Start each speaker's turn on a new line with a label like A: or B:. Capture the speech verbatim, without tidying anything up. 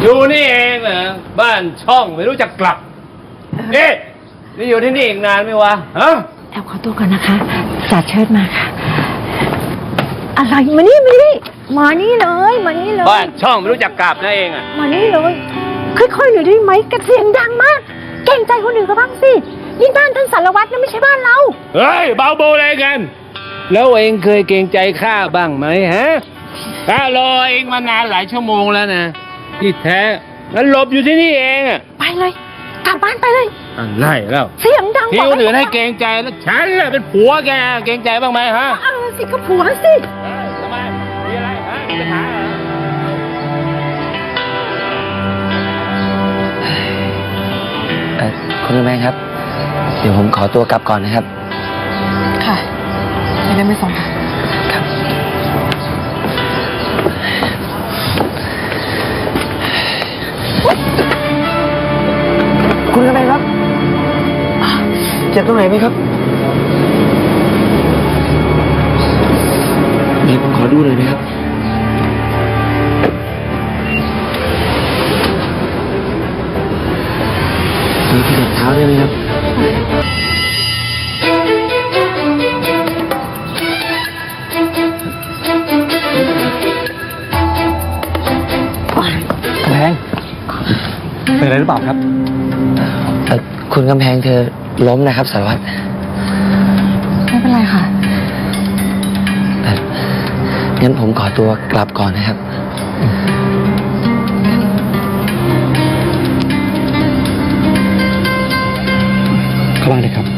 A: อยู่นี่เองเหรอบ้านช่องไม่รู้จักกลับเอ๊ะนี่อยู่ที่นี่อีกนานไหมวะฮะ
B: แอบขอตัวก่อนนะคะจ่าเชิดมาค่ะอะไรมานี่มานี่มานี่เลยมานี่เลย
A: บ้านช่องไม่รู้จักกลับนะเองอ่ะ
B: มานี่เลยค่อยๆหน่อยได้ไหมกระเสียงดังมากเกรงใจคนอื่นเขาบ้างสินี่บ้านท่านสารวัตรนะไม่ใช่บ้านเรา
A: เฮ้ยเบาโบอะไรกันแล้วเองเคยเกรงใจข้าบ้างไหมฮะข้ารอเองมานานหลายชั่วโมงแล้วนะที่แท้งั้นหลบอยู่ที่นี่เองอ่ะ
B: ไปเลยกลับบ้านไปเลย
A: อะไรแล้ว
B: เสียงดัง
A: ที่คนอื่นให้เกรงใจแล้วฉันแหละเป็นผัวแกเกรงใจบ้างไหมฮะ
B: เออสิก็ผัวสิ
A: ทำไมมีอะไรฮะมีปัญหาเหรอ
C: เออคุณแม่ครับเดี๋ยวผมขอตัวกลับก่อนนะครับ
B: ค่ะไม่ได้ไม่ส่งค่ะ
C: ครับคุณกำแพงครับเจ็บตรงไหนไหมครับเดี๋ยวผมขอดูหน่อยนะครับมีขยับเท้าได้ไหมครับกำแพงเป็นอะไรหรือเปล่าครับเออคุณกำแพงเธอล้มนะครับสารวัตร
B: ไม่เป็นไรค่ะ
C: เอองั้นผมขอตัวกลับก่อนนะครับเข้าบ้านเลยครับ